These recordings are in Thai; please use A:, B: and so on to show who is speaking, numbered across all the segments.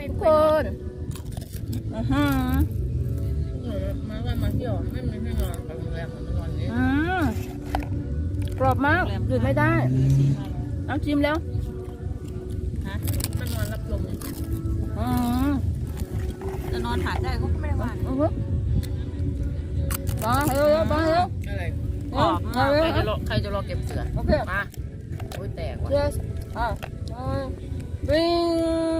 A: ทุกคน
B: มาเที่ยวไม่มีที่นอนกับโรงแรมเหมือนวันนี้
A: กรอบมากหยุดไม่ได้เอาชิมแล้ว
B: ฮะมันนอนรับลม
C: จะนอนหาดได้ก็ไม่ได้ว่า
A: ไปเร็วไปเร็ว
B: อะไรใครจะรอเก็บเสือ
A: โอเค
B: มาโอ้ยแตกว่ะ
A: yes วิ่ง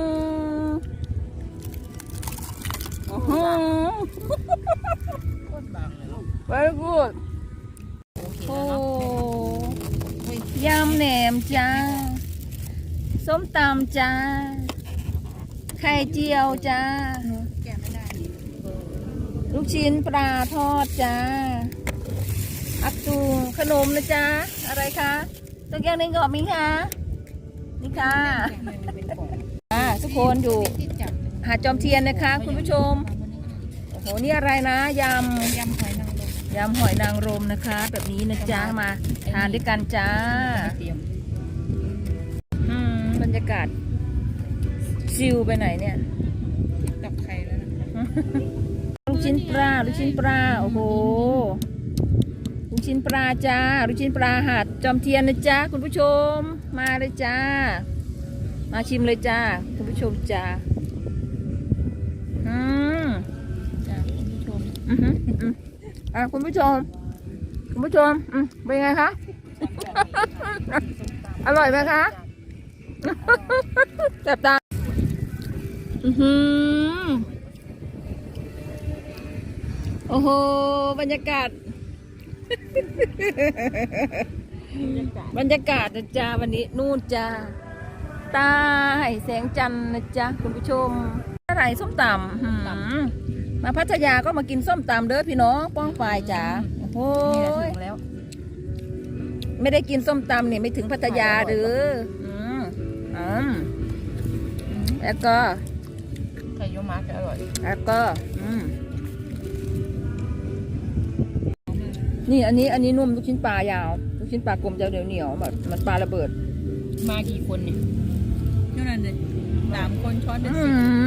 B: โคตรบางเลย
A: very good โอ้ยำแหนมจ้าส้มตำจ้าไข่เจียวจ้า
C: แกไม่ได้
A: ลูกชิ้นปลาทอดจ้าอักตูขนมนะจ้าอะไรคะตัวแก้วนึงกรอบมั้ยคะนี่ค่ะทุกคนอยู่หาดจอมเทียนนะคะคุณผู้ชมโอ้โหนี่อะไรนะยำหอยนางรมนะคะแบบนี้นะจ้ามาทานด้วยกันจ้าบรรยากาศชิลไปไหนเนี่ย
C: ตับไข่แล้วนะ
A: ลูกชิ้นปลาโอ้โหลูกชิ้นปลาจ้าลูกชิ้นปลาหาดจอมเทียนนะจ้าคุณผู้ชมมาเลยจ้ามาชิมเลยจ้าคุณผู้ชมจ้า
C: จ้าคุณผู้ชม
A: คุณผู้ชมเป็นไงคะอร่อยไหมคะแซ่บตาโอ้โหบรรยากาศนะจ๊ะวันนี้นู่นจ้าใต้แสงจันทร์นะจ๊ะคุณผู้ชมอะไรส้มตำมาพัทยาก็มากินส้มตำเด้อพี่น้องป้องฝ่ายจ๋าโอ้โหแล้วไม่ได้กินส้มตำเนี่ยไม่ถึงพัทยาหรือแล้วก็
B: ไข่ยูมาจะอร่อย
A: แล้วก็นี่อันนี้นุ่มลูกชิ้นปลายาวลูกชิ้นปลากลมจะเหนียวแบบมันปลาระเบิด
B: มากี่คนเนี่ย
C: นั่นเลย3 คนช้อนเป็น10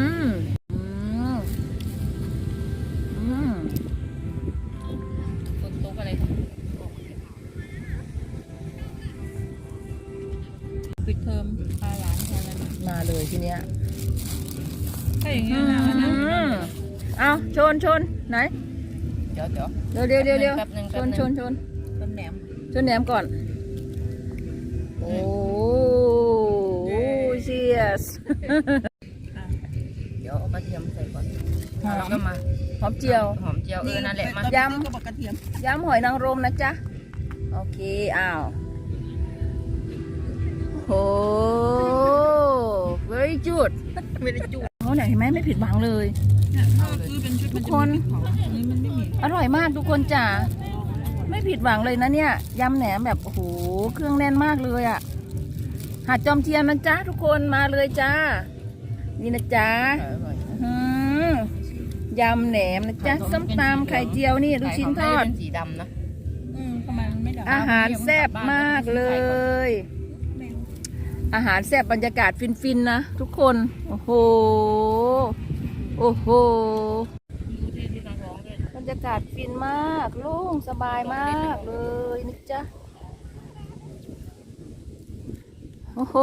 B: คนโต๊ะอะไร
C: ปิดเทอมพาหลานแทนแล้ว
A: มาเลยทีเนี้ย
C: ถ้าอย่างเงี้ยนะ
A: เอาชนไหน
B: เดี๋ยว
A: ชนแหนมก่อนโอ้เชียส
B: เดี๋ยวเอากระเทียมใส่ก่อนแล้วก็มา
A: หอมเจียว
B: นั่นแหละมาย
A: ำหอยนางรมนะจ๊ะโอเคอ้าวโอ้ very good
C: ไม่ได้จุ
A: เขาไหนเห็นไหมไม่ผิดหวังเลยทุกคนอร่อยมากทุกคนจ้ะไม่ผิดหวังเลยนะเนี่ยยำแหนมแบบโอ้โหเครื่องแน่นมากเลยอ่ะหาดจอมเทียนนะจ๊ะทุกคนมาเลยจ้านี่นะจ๊ะยำแหนมนะจ๊ะส้มตำไข่เจียวนี่ลูกชิ้นทอด
B: สีดำนะ
A: อาหารแซ่บมากเลยอาหารแซ่บบรรยากาศฟินๆนะทุกคนโอ้โหบรรยากาศฟินมากโล่งสบายมากเลยนี่จ๊ะโอ้โห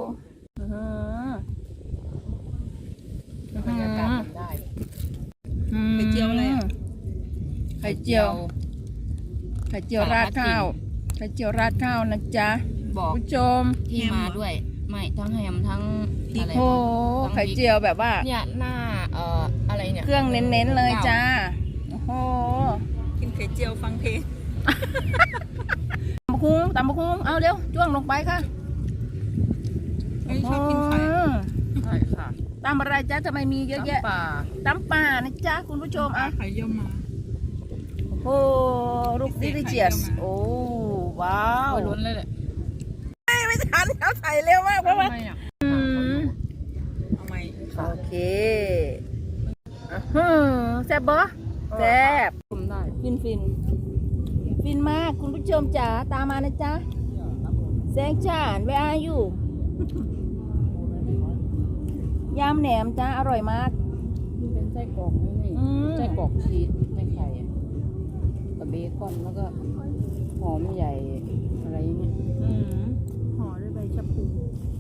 B: บรรยากาศได้
C: ไข่เจียวอะไร
A: ไข่เจียวราดข้าวนะจ๊ะ
B: บอก
A: ผู้ชม
B: ที่มาด้วยไม่ทั้งแฮมทั้งอะไร
A: โอ้ไข่เจียวแบบว่า
B: เนี่ยหน้าอะไรเนี่ย
A: เครื่องเน้นๆเลยจ้าโอ้โห
C: กินไข่เจียวฟังเพลง
A: ตำบักหุ่งเอาเร็วจ้วงลงไปค่ะ
C: ไม่ชอบกินไข่
B: ค่ะ
A: ตำอะไรจ้าทำไมมีเยอะแยะตำป่านะจ๊ะคุณผู้ชม
C: ไข่เยี่ยมมา
A: โอ้ลูกดิลิเจียสโอ้ว้าว
B: ล้นเลยแหละ
A: ไม่ทันเขาใส่เร็วมากเพราะว่า
C: เอาไหม
A: โอเคแซ่บบ่แซ่บ
B: ได้
A: ฟินมากคุณผู้ชมจ๋าตามมานะจ๊ะแสงจ้าน where are you ยำแหนมจ้าอร่อยมาก
B: มันเป็นไส้กรอกนี่
A: อืม
B: ไส้กรอกชีสไส้ไข่อะกับเบคอนแล้วก็หอมใหญ่อะไรอย่างเงี้ย
C: ห่อด้วยใบชะพู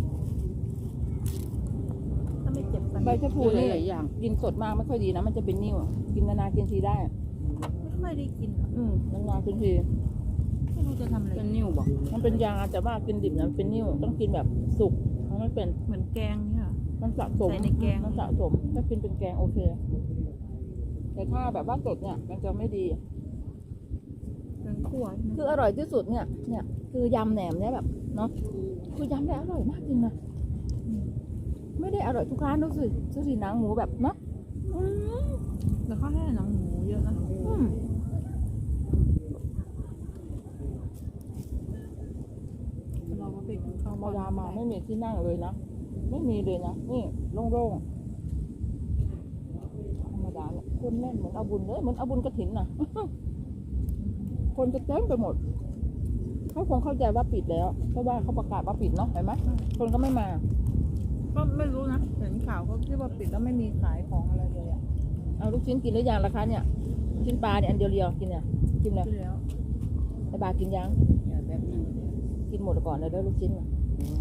C: ถ้าไม่เจ็บฟัน
A: ใบชะพูนี่
B: หลายอย่าง
A: กินสดมากไม่ค่อยดีนะมันจะเป็นนิ่วกินนานๆกินทีได้
C: ไม่ค่อยได้กิน
A: นานๆกินที
C: ไม่รู้จะทำอะไร
B: เป็นนิ่วบอก
A: มันเป็นยาแต่ว่ากินดิบนะมันเป็นนิ่วต้องกินแบบสุกมันไม่เป็น
C: เหมือนแกงเนี่ยเหรอ
A: มันสะสม
C: ใส่ในแกง
A: มันสะสมถ้ากินเป็นแกงโอเค แต่ถ้าแบบว่าสดเนี่ยมันจะไม่ดี
C: แกงคั่วใช่ไหม
A: คืออร่อยที่สุดเนี่ยคือยำแหนมเนี่ยแบบเนาะคือยำได้อร่อยมากจริงนะไม่ได้อร่อยทุกร้านดูสิหนังหมูแบบเนาะอืม
C: แล้วเขาให้หนังหมูเยอะนะ
A: อืม
C: เราก็ไปกินข้าว
A: ธรรมดามาไม่มีที่นั่งเลยนะไม่มีเลยนะนี่โล่งๆธรรมดาเนี่ยคนแน่นเหมือนเอาบุญเลยเหมือนเอาบุญกฐินน่ะ คนจะเต็มไปหมดเขาคงเข้าใจว่าปิดแล้วเพราะว่าเขาประกาศว่าปิดเนาะเห็นไหมคนก็ไม่มา
C: ก็ไม่รู้นะเห็นข่าวเขาคิดว่าปิดแล้วไม่มีขายของอะไรเลยอ่ะ
A: เอาลูกชิ้นกินหรือยังล่ะคะเนี่ยลูกชิ้นปลาเนี่ยอันเดียวๆกินเนี่ยกินแล้ว
C: ขึ้นแล้ว
A: ไอ้บากินยัง
B: อย่าแบบนึง
A: กินหมดก่อนเลยเด้อลูกชิ้นน่ะ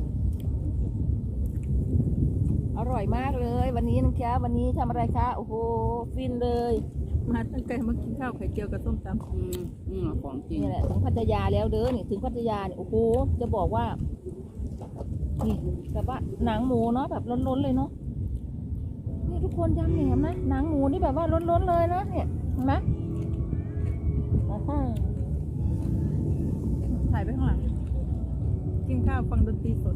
A: อร่อยมากเลยวันนี้นะคะวันนี้ทำอะไรคะโอ้โหฟินเลย
C: มาตั้งแต่มากินข้าวไข่เจียวกับส้มตำ
B: ของจริง
A: นี่แหละถึงพัทยาแล้วเด้อนี่ถึงพัทยาเนี่ยโอ้โหจะบอกว่านี่แบบว่าหนังหมูเนาะแบบล้นๆเลยเนาะนี่ทุกคนยำแหนมนะหนังหมูนี่แบบว่าล้นๆเลยนะเนี่ยเห็นไหมอ่าฮะ
C: ถ่ายไปข้างหลัง กินข้าวฟังดนตรีสด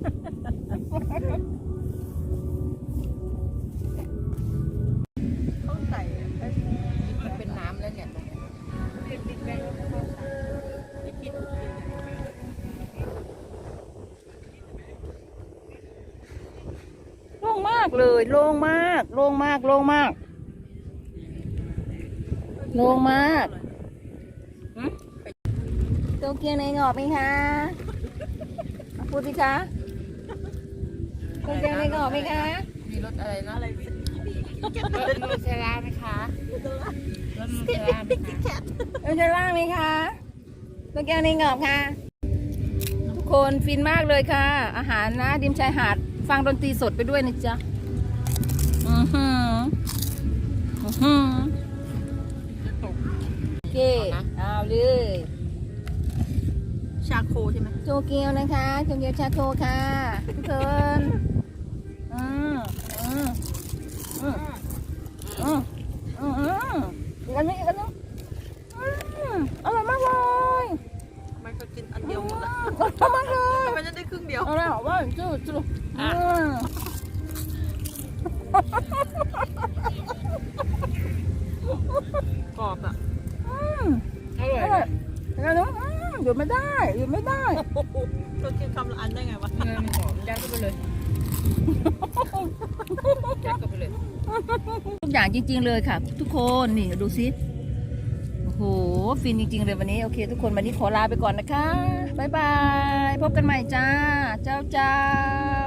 C: ข้าวไก่อะ
B: มันเป็นน้ำแล้วเนี่ยตรงนี้
C: เป็นบิ๊กแบงข้าวไก่ไม่คิด
A: โล่งมากเลยโล่งมากโล่งมากโล่งมากโล่งมากโตเกียวในงอกไหมคะพูดสิคะโตเกียวในงอกไหมคะ
B: มีรสอะไรนะอะไรรสนูเทลล่าไหมคะรสนูเทลล่าไหมคะ
A: เราจะล่างไหมคะโตเกียวในงอกค่ะทุกคนฟินมากเลยค่ะ อาหารนะริมชายหาดฟังดนตรีสดไปด้วยนะจ๊ะอือหืออือหือโอเคเอาเลย
C: ชาโคใช่ไหม
A: โตเกียวนะคะโตเกียวชาโคค่ะทุกคนอืมอืมอืมอืมอืมอืมอีกอันนึงอีกอันนึงอร่อยมากเลย
C: มันก็กินอันเดียวหมดละ
A: อร่อยมากเลย
C: มันจะได้ครึ่งเดียว
A: เอาแล้วว่าจู่
C: กรอบอ่ะ
B: อร่อย
A: อร่อยอีกอันนึงหยุดไม่ได้หยุดไม่ได้
C: เรากินคำละอันได้ไงวะ
B: เงินหอมยัดเข้าไปเลยยัดเข้าไปเลย
A: ทุกอย่างจริงๆเลยค่ะ ทุกคนนี่ดูซิโอ้โหฟินจริงๆเลยวันนี้โอเค ทุกคนวันนี้ขอลาไปก่อนนะคะบ๊ายบายพบกันใหม่จ้าเจ้า